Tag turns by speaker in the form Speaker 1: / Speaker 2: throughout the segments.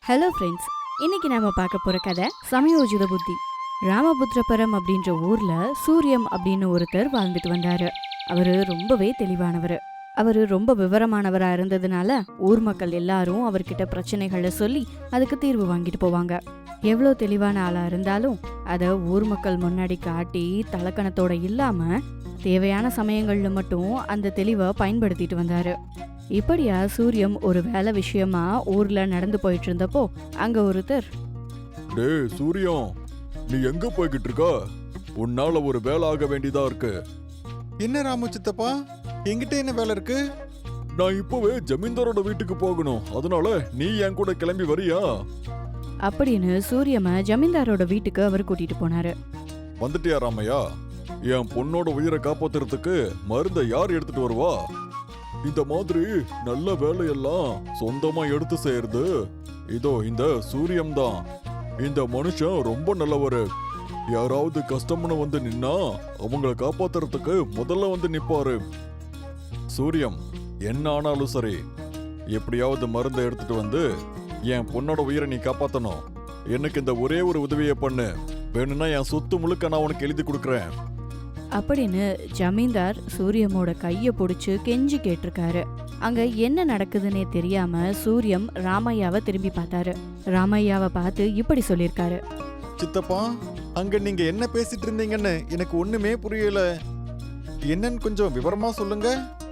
Speaker 1: Hello friends, இன்னைக்கு நாம பார்க்க போற கதை சமயோஜித புத்தி. ராமபுத்திரபுரம் அப்படின்ற ஊர்ல சூரியம் அப்படின்னு ஒருத்தர் வாழ்ந்துட்டு வந்தாரு. அவரு ரொம்பவே தெளிவானவர். அவரு ரொம்ப விவரமானவரா இருந்ததுனால ஊர் மக்கள் எல்லாரும் அவர்கிட்ட பிரச்சனைகளை சொல்லி அதுக்கு தீர்வு வாங்கிட்டு போவாங்க. எவ்வளோ தெளிவான ஆளா இருந்தாலும் அதை ஊர் மக்கள் முன்னாடி காட்டி தலக்கணத்தோட இல்லாம தேவையான சமயங்கள்ல மட்டும் அந்த தெளிவை பயன்படுத்திட்டு வந்தாரு. இப்படியா சூரியம் ஒரு வேலை விஷயமா ஊர்ல நடந்து போயிட்டு இருந்தப்போ அங்க ஒருத்தர்,
Speaker 2: டேய் சூரியம், நீ எங்க போய்கிட்டு இருக்க? உன்னால ஒரு வேலை ஆக வேண்டியதா இருக்கு.
Speaker 3: என்ன ராமு சித்தப்பா, என்கிட்ட என்ன வேலை இருக்கு?
Speaker 2: நான் இப்பவே ஜமீன்தாரோட வீட்டுக்கு போகணும். அதனால நீ என் கூட கிளம்பி வரியா?
Speaker 1: அப்படின்னு சூரியம ஜமீன்தாரோட வீட்டுக்கு அவர் கூட்டிட்டு போனாரு.
Speaker 2: வந்துட்டியா ராமையா? என் பொண்ணோட உயிரை காப்பாத்துறதுக்கு மருந்தை யார் எடுத்துட்டு வருவா? இந்த மாதிரி நல்ல வேலையெல்லாம் சொந்தமா எடுத்து செய்யறது இதோ இந்த சூரியம் தான். இந்த மனுஷன் ரொம்ப நல்லவரு. யாராவது கஷ்டம்னு வந்து நின்னா அவங்கள காப்பாத்துறதுக்கு முதல்ல வந்து நிப்பாரு. சூரியம், என்ன ஆனாலும் சரி, எப்படியாவது மருந்தை எடுத்துட்டு வந்து என் பொண்ணோட உயிரை நீ காப்பாத்தணும். எனக்கு இந்த ஒரே ஒரு உதவியை பண்ணு. வேணும்னா என் சொத்து முழுக்க நான் உனக்கு எழுதி கொடுக்குறேன்
Speaker 1: அப்படின்னு ஜமீன்தார் சூரியமோட கைய பிடிச்சு கெஞ்சி கேட்டிருக்காரு. அங்க என்ன நடக்குதுன்னே தெரியாம சூரியம் ராமையாவை திரும்பி பார்த்தாரு. ராமையாவை பார்த்து இப்படி சொல்லிருக்காரு,
Speaker 3: சித்தப்பா, அங்க நீங்க என்ன பேசிட்டு இருந்தீங்கன்னு எனக்கு ஒண்ணுமே புரியல. என்னன்னு கொஞ்சம் விவரமா சொல்லுங்க.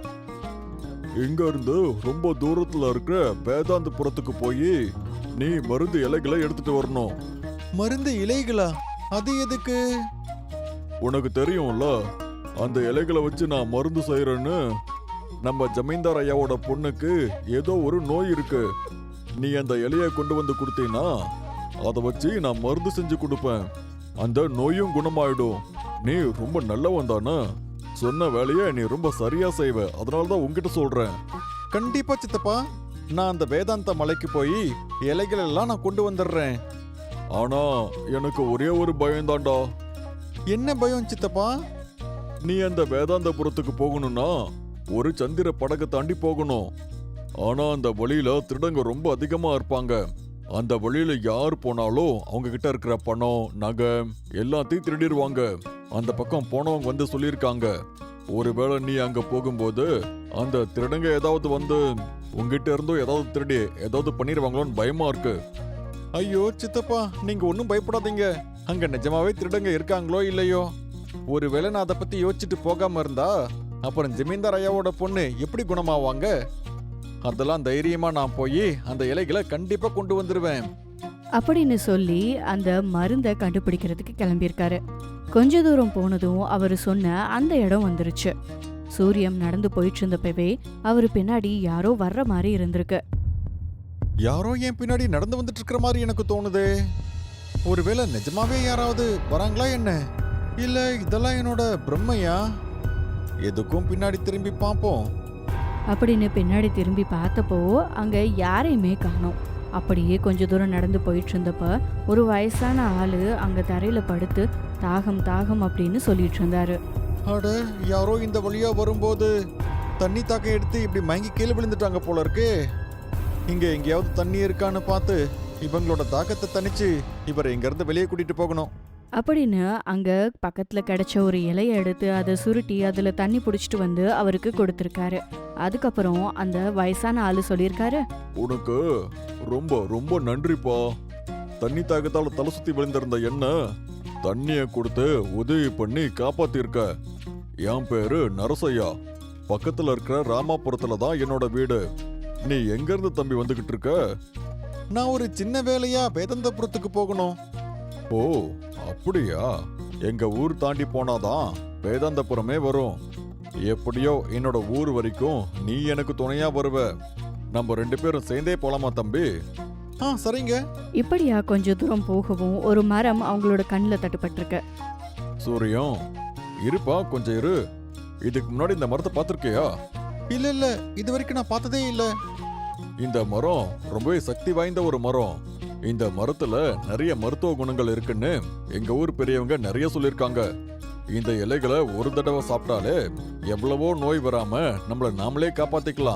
Speaker 2: இங்க இருந்து ரொம்ப தூரத்துல இருக்கிற வேதாந்தபுரத்துக்கு போய் நீ மருந்து இலைகளை எடுத்துட்டு வரணும்.
Speaker 3: மருந்து இலைகளா? அது எதுக்கு?
Speaker 2: உனக்கு தெரியும்ல, அந்த இலைகளை வச்சு நான் மருந்து செய்யறேன்னு. நம்ம ஜமீன்தார் ஐயாவோட பொண்ணுக்கு ஏதோ ஒரு நோய் இருக்கு. நீ அந்த இலையை கொண்டு வந்து கொடுத்தீன்னா அதை வச்சு நான் மருந்து செஞ்சு கொடுப்பேன். அந்த நோயும் குணமாயிடும். நீ ரொம்ப நல்லவன் தானே. சொன்ன வேலையை நீ ரொம்ப சரியா செய்வ. அதனாலதான் உங்ககிட்ட சொல்றேன்.
Speaker 3: கண்டிப்பா சித்தப்பா, நான் அந்த வேதாந்த மலைக்கு போய் இலைகள் எல்லாம் நான் கொண்டு வந்துடுறேன்.
Speaker 2: ஆனா எனக்கு ஒரே ஒரு பயம்தான்டா.
Speaker 3: என்ன பயம் சித்தப்பா?
Speaker 2: நீ அந்த வேதாந்தபுரத்துக்கு போகணும்னா ஒரு சந்திர படகை தாண்டி போகணும். ஆனா அந்த வழியில திருடங்க ரொம்ப அதிகமா இருப்பாங்க. அந்த வழியில யார் போனாலும் அவங்க கிட்ட இருக்கிற பணம், நகை எல்லாத்தையும் திருடிடுவாங்க. அந்த பக்கம் போனவங்க வந்து சொல்லியிருக்காங்க, ஒருவேளை நீ அங்க போகும்போது அந்த திருடங்க ஏதாவது வந்து உங்ககிட்ட இருந்தோ ஏதாவது திருடி ஏதாவது பண்ணிடுவாங்களோன்னு பயமா இருக்கு.
Speaker 3: ஐயோ சித்தப்பா, நீங்க ஒன்னும் பயப்படாதீங்க. அங்க நிஜமாவே திருடங்க இருக்காங்களோ இல்லையோ, ஒருவேளை நான் அதை பத்தி யோசிச்சுட்டு போகாம இருந்தா அப்புறம் ஜமீன்தார் ஐயாவோட பொண்ணு எப்படி குணமாவாங்க? அதெல்லாம் தைரியமா நான் போய் அந்த இலைகளை கண்டிப்பா கொண்டு வந்துருவேன்
Speaker 1: அப்படின்னு சொல்லி அந்த மருந்தை கண்டுபிடிக்கிறதுக்கு கிளம்பியிருக்காரு. கொஞ்ச தூரம் போனதும் அவரு சொன்ன அந்த இடம் வந்துருச்சு. சூரியம் நடந்து போயிட்டு இருந்தப்பவே அவரு பின்னாடி யாரோ வர்ற மாதிரி இருந்திருக்கு.
Speaker 3: யாரோ என் பின்னாடி நடந்து வந்துட்டு இருக்கிற மாதிரி எனக்கு தோணுது. ஒருவேளை நிஜமாவே யாராவது வராங்களா என்ன? இல்ல இதெல்லாம் என்னோட பிரம்மையா? எதுக்கும் பின்னாடி திரும்பி பார்ப்போம்
Speaker 1: அப்படின்னு பின்னாடி திரும்பி பார்த்தப்போ அங்க யாரையுமே காணோம். அப்படியே கொஞ்ச தூரம் நடந்து போயிட்டு இருந்தப்ப ஒரு வயசான ஆளு அங்க தரையில படுத்து தாகம் தாகம் அப்படின்னு சொல்லிட்டு இருந்தாரு.
Speaker 3: அட, யாரோ இந்த வழியா வரும்போது தண்ணி தாக்கம் எடுத்து இப்படி மயங்கி கீழே விழுந்துட்டாங்க போல இருக்கு. இங்க எங்கேயாவது தண்ணி இருக்கான்னு பார்த்து இவங்களோட தாக்கத்தை தணிச்சு இவரை இங்க இருந்து வெளியே கூட்டிட்டு போகணும்
Speaker 1: அப்படின்னு அங்க பக்கத்துல கிடைச்ச ஒரு இலைய எடுத்து அதை சுருட்டி அதுல தண்ணி புடிச்சிட்டு வந்து அவருக்கு கொடுத்திருக்காரு. அதுக்கப்புறம் அந்த வயசான ஆளு சொல்லியிருக்காரு,
Speaker 2: உனக்கு ரொம்ப ரொம்ப நன்றிப்பா. தண்ணி தாகத்தால தலை சுத்தி விழுந்திருந்த என்ன தண்ணிய கொடுத்து உதவி பண்ணி காப்பாத்திருக்க. என் பேரு நரசையா. பக்கத்துல இருக்கிற ராமாபுரத்துல தான் என்னோட வீடு. நீ எங்க இருந்து தம்பி வந்துகிட்டு இருக்க?
Speaker 3: நான் ஒரு சின்ன வேலையா வேதாந்தபுரத்துக்கு போகணும்.
Speaker 2: ஓ அப்படியா? எங்க ஊர் தாண்டி போனாதான் வேதாந்தபுரமே வரும். எப்படியோ என்னோட ஊர் வரைக்கும் நீ எனக்கு துணையா வருவ. நம்ம 2 பேரும் சேர்ந்தே போலாமா தம்பி?
Speaker 3: சரிங்க.
Speaker 1: இப்படியா கொஞ்ச தூரம் போகவும் ஒரு மரம் அவங்களோட கண்ணுல தட்டுப்பட்டிருக்கு.
Speaker 2: சூரியம், இருப்பா கொஞ்சம் இரு. இதுக்கு முன்னாடி இந்த மரத்தை பார்த்திருக்கியா?
Speaker 3: இல்ல, இது வரைக்கும் நான் பார்த்ததே இல்ல.
Speaker 2: இந்த மரம் ரொம்பவே சக்தி வாய்ந்த ஒரு மரம். இந்த மரத்துல நிறைய மருத்துவ குணங்கள் இருக்குன்னு எங்க ஊர் பெரியவங்க நிறைய சொல்லிருக்காங்க. இந்த இலைகளை ஒரு தடவை சாப்பிட்டாலே எவ்வளவோ நோய் வராம நம்மள நாமளே காப்பாத்திக்கலாம்.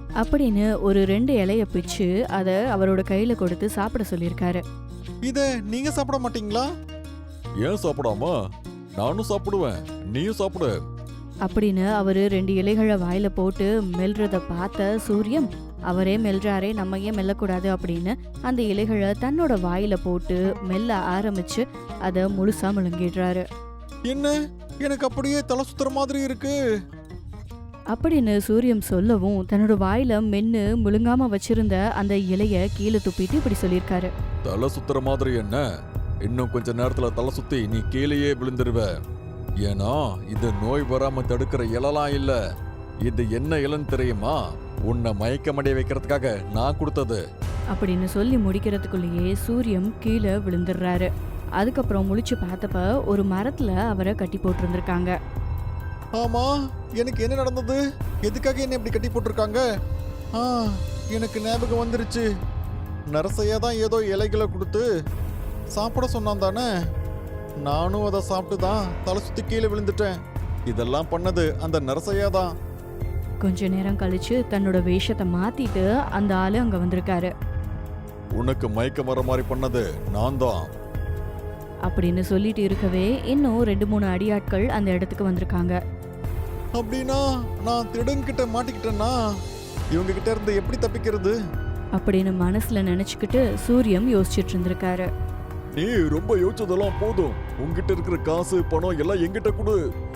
Speaker 1: அப்படின்னு ஒரு 2 இலைய பிச்சு அதை அவரோட கையில கொடுத்து சாப்பிட சொல்லியிருக்காரு.
Speaker 3: இத நீங்க சாப்பிட மாட்டீங்களா?
Speaker 2: ஏன் சாப்பிடாம? நானும் சாப்பிடுவேன், நீயும் சாப்பிடு.
Speaker 1: அப்படின்னு அவரு 2 இலைகளை வாயில போட்டு மெல்றத பார்த்த சூரியம், அவரே மெல்றாரே நம்ம ஏன் மெல்லக்கூடாது அப்படின்னு அந்த இலைகளை தன்னோட வாயில போட்டு மெல்ல ஆரம்பிச்சு அதை முழுசா முழுங்கிடுறாரு.
Speaker 3: என்ன, எனக்கு அப்படியே தலை சுத்துற மாதிரி இருக்கு.
Speaker 1: அப்படின்னு சூரியம் சொல்லவும் தன்னோட வாயில மென்னு முழுங்காம வச்சிருந்த அந்த இலைய கீழே துப்பிட்டு இப்படி சொல்லியிருக்காரு.
Speaker 2: தலை சுத்துற மாதிரி என்ன? இன்னும் கொஞ்ச நேரத்துல தலை சுத்தி நீ கீழேயே விழுந்துருவ. ஏன்னா இது நோய் வராம தடுக்கிற இலலாம் இல்ல. இது என்ன இலன்னு தெரியுமா? உன்னை மயக்கமடைய வைக்கிறதுக்காக நான் கொடுத்தது.
Speaker 1: அப்படின்னு சொல்லி முடிக்கிறதுக்குள்ளேயே சூரியம் கீழே விழுந்துடுறாரு. அதுக்கப்புறம் முழிச்சு பார்த்தப்ப ஒரு மரத்துல அவரை கட்டி போட்டிருந்திருக்காங்க.
Speaker 3: ஆமா, எனக்கு என்ன நடந்தது? எதுக்காக என்ன இப்படி கட்டி போட்டிருக்காங்க? எனக்கு ஞாபகம் வந்துருச்சு. நரசையா தான் ஏதோ இலைகளை கொடுத்து சாப்பிட சொன்னான் தானே. நானும் அதை சாப்பிட்டு தான் தலை சுத்தி கீழே விழுந்துட்டேன். இதெல்லாம் பண்ணது அந்த நரசையா தான்.
Speaker 1: கொஞ்ச நேரம் கழிச்சு தன்னோட வேஷத்தை மாத்திட்டு அந்த ஆளு அங்க வந்திருக்காரு.
Speaker 2: உனக்கு மயக்கம் வர மாதிரி பண்ணது நான் தான்.
Speaker 1: அப்படின்னு சொல்லிட்டு இருக்கவே இன்னும் 2-3 அடியாட்கள் அந்த இடத்துக்கு வந்திருக்காங்க.
Speaker 3: அப்படின்னா நான் திருடன்கிட்ட மாட்டிக்கிட்டேன்னா இவங்க கிட்ட இருந்து எப்படி தப்பிக்கிறது?
Speaker 1: அப்படின்னு மனசுல நினைச்சுக்கிட்டு சூரியம் யோசிச்சுட்டு இருந்திருக்காரு.
Speaker 2: நீ ரொம்ப யோசிச்சதெல்லாம் போதும். உன்கிட்ட இருக்கிற காசு பணம் எல்லாம் என்கிட்ட கொடு.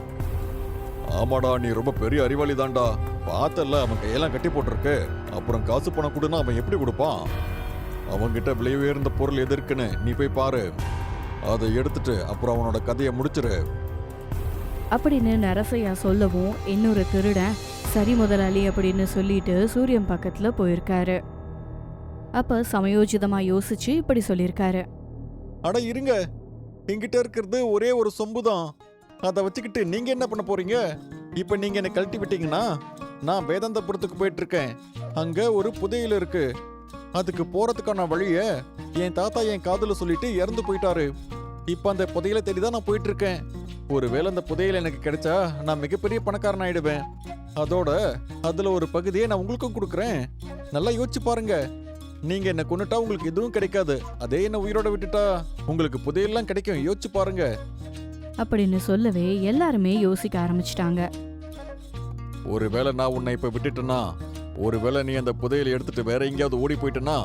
Speaker 2: ஆமாடா, நீ ரொம்ப பெரிய அறிவாளி தான்டா. பார்த்தல அவன் கையெல்லாம் கட்டி போட்டிருக்கு. அப்புறம் காசு பணம் கொடுன்னா அவன் எப்படி கொடுப்பான்? அவன்கிட்ட விலை உயர்ந்த பொருள் எது இருக்குன்னு நீ போய் பாரு. அதை எடுத்துட்டு அப்புறம் அவனோட கதையை முடிச்சிரு.
Speaker 1: அப்படின்னு நரசையா சொல்லவும் இன்னொரு திருடன் சரி முதலாளி அப்படின்னு சொல்லிட்டு சூரியன் பக்கத்துல போயிருக்காரு. அப்ப சமயோஜிதமா யோசிச்சு இப்படி சொல்லியிருக்காரு.
Speaker 3: அட இருங்க, என்கிட்ட இருக்கிறது ஒரே ஒரு சொம்பு தான். அதை வச்சுக்கிட்டு நீங்க என்ன பண்ண போறீங்க? இப்ப நீங்க என்னை கழட்டி விட்டீங்கன்னா நான் வேதாந்தபுரத்துக்கு போயிட்டு இருக்கேன். அங்க ஒரு புதையல் இருக்கு. அதுக்கு போறதுக்கான வழிய என் தாத்தா என் காதுல சொல்லிட்டு இறந்து போயிட்டாரு. இப்ப அந்த புதையலை தேடி தான் நான் போயிட்டு இருக்கேன். ஒருவேளை அந்த புதையல் எனக்கு கிடைச்சா நான் மிகப்பெரிய பணக்காரன் ஆயிடுவேன். அதோட அதுல ஒரு பகுதியை நான் உங்களுக்கும் கொடுக்குறேன். நல்லா யோசிச்சு பாருங்க. நீங்க என்ன கொன்னுட்டா உங்களுக்கு எதுவும் கிடைக்காது. அதே என்ன உயிரோட விட்டுட்டா உங்களுக்கு புதையெல்லாம் கிடைக்கும். யோசிச்சு பாருங்க.
Speaker 1: அப்படின்னு சொல்லவே எல்லாருமே யோசிக்க ஆரம்பிச்சிட்டாங்க.
Speaker 2: ஒருவேளை நான் உன்னை இப்ப விட்டுட்டேன்னா, ஒருவேளை நீ அந்த புதையலை எடுத்துட்டு வேற எங்கேயாவது ஓடி போயிட்டேன்னா,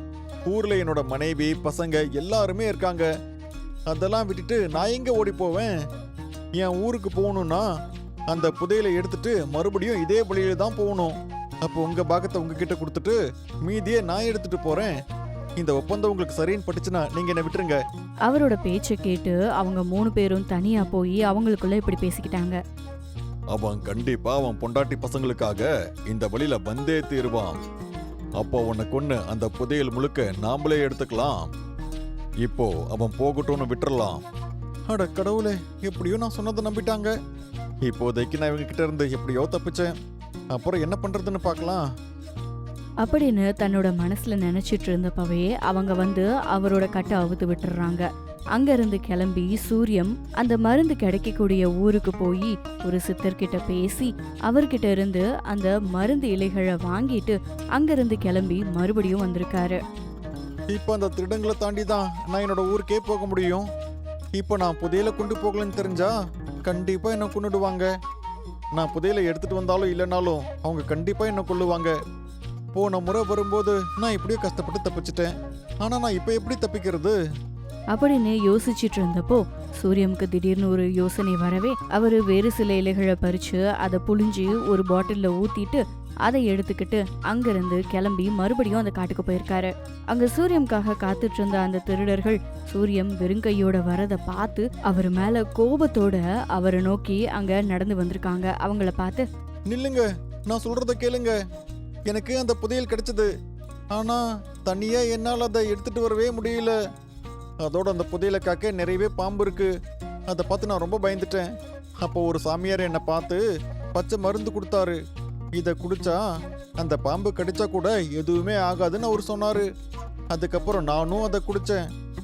Speaker 3: ஊர்ல என்னோட மனைவி பசங்க எல்லாருமே இருக்காங்க. அதெல்லாம் விட்டுட்டு நான் எங்க ஓடி போவேன்? என் ஊருக்கு போகணும்னா அந்த புதையலை எடுத்துட்டு மறுபடியும் இதே வழியில தான் போகணும். அப்போ உங்க பாகத்தை உங்ககிட்ட கொடுத்துட்டு மீதியே நான் எடுத்துட்டு போறேன். இந்த ஒப்பந்தம் உங்களுக்கு சரின்னு பட்டுச்சுன்னா நீங்க என்ன விட்டுருங்க.
Speaker 1: அவரோட பேச்சை கேட்டு அவங்க 3 பேரும் தனியா போய் அவங்களுக்குள்ள இப்படி பேசிக்கிட்டாங்க.
Speaker 2: அவன் கண்டிப்பா அவன் பொண்டாட்டி பசங்களுக்காக இந்த வழியில வந்தே தீருவான். அப்போ உன்னை கொன்னு அந்த புதையல் முழுக்க நாமளே எடுத்துக்கலாம். இப்போ அவன் போகட்டும்னு விட்டுறலாம்.
Speaker 3: அட கடவுளே, எப்படியோ நான் சொன்னதை நம்பிட்டாங்க. இப்போதைக்கு நான் இவங்க கிட்ட இருந்து எப்படியோ தப்பிச்சேன். அப்புறம் என்ன பண்றதுன்னு பார்க்கலாம்.
Speaker 1: அப்படின்னு தன்னோட மனசுல நினைச்சிட்டு இருந்தப்பவே அவங்க வந்து அவரோட கட்டை அவுத்து விட்டுறாங்க. அங்கிருந்து கிளம்பி சூரியம் அந்த மருந்து கிடைக்கக்கூடிய ஊருக்கு போய் ஒரு சித்தர்கிட்ட பேசி அவர்கிட்ட இருந்து அந்த மருந்து இலைகளை வாங்கிட்டு அங்கிருந்து கிளம்பி மறுபடியும் வந்திருக்காரு.
Speaker 3: இப்போ அந்த திருடங்களை தாண்டி தான் நான் என்னோட ஊருக்கே போக முடியும். இப்போ நான் புதையலை கொண்டு போகலன்னு தெரிஞ்சா கண்டிப்பா என்ன கொன்னுடுவாங்க. நான் புதையலை எடுத்துட்டு வந்தாலும் இல்லைனாலும் அவங்க கண்டிப்பா என்ன கொல்லுவாங்க. போன முறை வரும்போது நான் இப்படியே கஷ்டப்பட்டு தப்பிச்சிட்டேன். ஆனா நான் இப்போ எப்படி தப்பிக்கிறது?
Speaker 1: அப்படின்னு யோசிச்சுட்டு இருந்தப்போ சூரியமுக்கு திடீர்னு ஒரு யோசனை வரவே அவரு வேறு சில இலைகளை பறிச்சு அதை புழிஞ்சு ஒரு பாட்டில்ல ஊத்திட்டு அதை எடுத்துக்கிட்டு அங்கிருந்து கிளம்பி மறுபடியும் அந்த காட்டுக்கு போயிருக்காரு. அங்க சூரியமுக்காக காத்துட்டு இருந்த அந்த திருடர்கள் சூரியம் வெறுங்கையோட வரத பார்த்து அவர் மேல கோபத்தோட அவரை நோக்கி அங்க நடந்து வந்திருக்காங்க. அவங்கள பார்த்து,
Speaker 3: நில்லுங்க, நான் சொல்றத கேளுங்க. எனக்கு அந்த புதையல் கிடைச்சது. ஆனா தனியா என்னால் அதை எடுத்துட்டு வரவே முடியல. அதோட அந்த புதையலை காக்க நிறையவே பாம்பு இருக்கு. அதை பார்த்து நான் ரொம்ப பயந்துட்டேன். அப்போ ஒரு சாமியார் என்னை பார்த்து பச்சை மருந்து கொடுத்தாரு. இதை குடிச்சா அந்த பாம்பு கடிச்சா கூட எதுவுமே ஆகாதுன்னு அவர் சொன்னாரு. அதுக்கப்புறம் நானும் அதை குடிச்சேன்.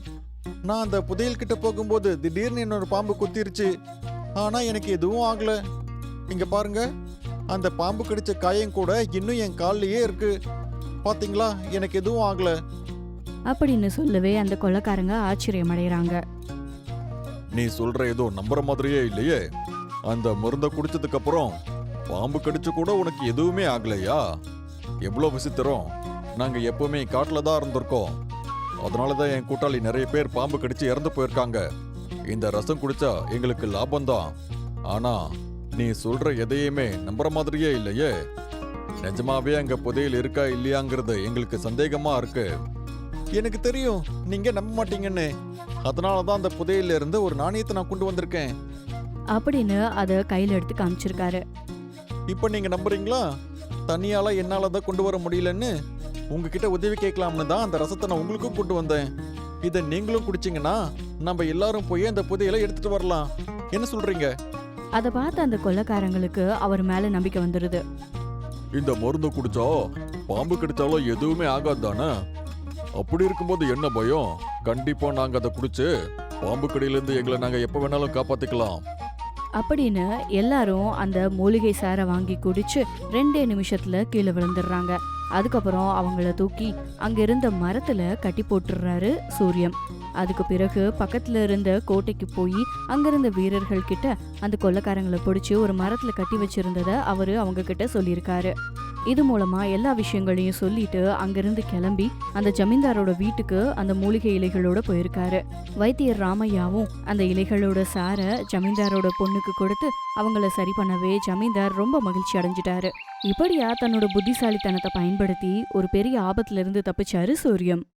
Speaker 3: நான் அந்த புதையல் கிட்ட போகும்போது திடீர்னு என்னோட பாம்பு குத்திருச்சு. ஆனா எனக்கு எதுவும் ஆகல. இங்க பாருங்க, அந்த பாம்பு கடிச்ச காயம் கூட இன்னும் என் கால்லயே இருக்கு. பாத்தீங்களா, எனக்கு எதுவும் ஆகல.
Speaker 1: அப்படின்னு சொல்லவே அந்த கொள்ளைக்காரங்க ஆச்சரியமடைகிறாங்க.
Speaker 2: நீ சொல்ற ஏதோ நம்புற மாதிரியே இல்லையே. அந்த மருந்தை குடிச்சதுக்கு அப்புறம் பாம்பு கடிச்சு கூட உனக்கு எதுவுமே ஆகலையா? எவ்வளோ விசித்திரம். நாங்க எப்பவுமே காட்டுல தான் இருந்திருக்கோம். அதனாலதான் என் கூட்டாளி நிறைய பேர் பாம்பு கடிச்சு இறந்து போயிருக்காங்க. இந்த ரசம் குடிச்சா எங்களுக்கு லாபம்தான். ஆனா நீ சொல்ற எதையுமே நம்புற மாதிரியே இல்லையே. நிஜமாவே அங்க புதையல் இருக்கா இல்லையாங்கிறது எங்களுக்கு சந்தேகமா இருக்கு.
Speaker 3: எனக்கு தெரியும் நீங்க நம்ப மாட்டீங்கன்னு. அதனாலதான் அந்த புதையில இருந்து ஒரு நாணயத்தை நான் கொண்டு வந்திருக்கேன்.
Speaker 1: அப்படின்னு அதை கையில எடுத்து காமிச்சிருக்காரு.
Speaker 3: இப்ப நீங்க நம்புறீங்களா? தனியால என்னால தான் கொண்டு வர முடியலன்னு உங்ககிட்ட உதவி கேட்கலாம்னு தான் அந்த ரசத்தை நான் உங்களுக்கும் கொண்டு வந்தேன். இதை நீங்களும் குடிச்சீங்கன்னா நம்ம எல்லாரும் போய் அந்த புதையலை எடுத்துட்டு வரலாம். என்ன சொல்றீங்க?
Speaker 1: அதை பார்த்து அந்த கொள்ளைக்காரங்களுக்கு அவர் மேல நம்பிக்கை வந்துருது.
Speaker 2: இந்த மருந்து குடிச்சா பாம்பு கடிச்சாலும் எதுவுமே ஆகாது தானே? அப்படி இருக்கும்போது என்ன பயம்? கண்டிப்பா நாங்க அதை குடிச்சு பாம்பு கடியிலிருந்து எங்களை நாங்க எப்ப வேணாலும் காப்பாத்திக்கலாம்.
Speaker 1: அப்படின்னு எல்லாரும் அந்த மூலிகை சாரை வாங்கி குடிச்சு 2 நிமிஷத்துல கீழே விழுந்துடுறாங்க. அதுக்கப்புறம் அவங்கள தூக்கி அங்க இருந்த மரத்துல கட்டி போட்டுடுறாரு சூரியம். அதுக்கு பிறகு பக்கத்துல இருந்த கோட்டைக்கு போய் அங்கிருந்த வீரர்கள் கிட்ட அந்த கொள்ளைக்காரங்களை பிடிச்சி ஒரு மரத்துல கட்டி வச்சிருந்தத அவரு அவங்க கிட்ட சொல்லியிருக்காரு. இது மூலமா எல்லா விஷயங்களையும் சொல்லிட்டு அங்கிருந்து கிளம்பி அந்த ஜமீன்தாரோட வீட்டுக்கு அந்த மூலிகை இலைகளோட போயிருக்காரு. வைத்தியர் ராமையாவும் அந்த இலைகளோட சாரை ஜமீன்தாரோட பொண்ணுக்கு கொடுத்து அவங்கள சரி பண்ணவே ஜமீன்தார் ரொம்ப மகிழ்ச்சி அடைஞ்சிட்டாரு. இப்படியா தன்னோட புத்திசாலித்தனத்தை பயன்படுத்தி ஒரு பெரிய ஆபத்துல இருந்து தப்பிச்சாரு சூரியம்.